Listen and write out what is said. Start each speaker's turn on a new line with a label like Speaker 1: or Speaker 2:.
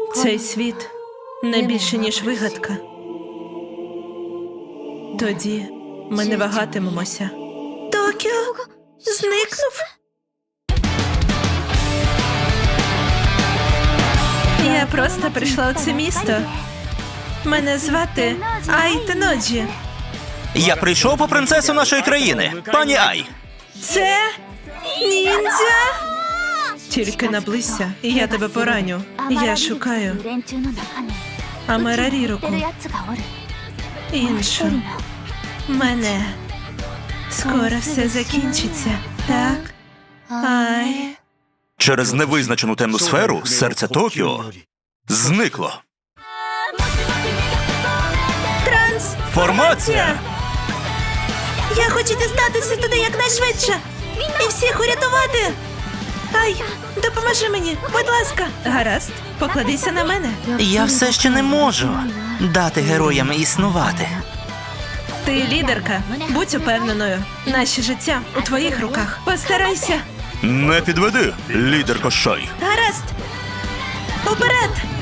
Speaker 1: Цей світ не більше, ніж вигадка. Тоді ми не вагатимемося. Токіо зникнув? Я просто прийшла у це місто. Мене звати Ай Теноджі.
Speaker 2: Я прийшов по принцесу нашої країни, пані Ай.
Speaker 1: Це ніндзя? Тільки наблизься, і я тебе пораню. Я шукаю Амараріроку. Іншу. Мене. Скоро все закінчиться, так? Ай.
Speaker 2: Через невизначену темну сферу серце Токіо зникло. Формація!
Speaker 1: Я хочу дістатися туди якнайшвидше. І всіх урятувати. Ай, допоможи мені, будь ласка. Гаразд, покладися на мене.
Speaker 2: Я все ще не можу дати героям існувати.
Speaker 1: Ти лідерка, будь упевненою. Наше життя у твоїх руках. Постарайся.
Speaker 2: Не підведи, лідерко Шай.
Speaker 1: Гаразд. Уперед!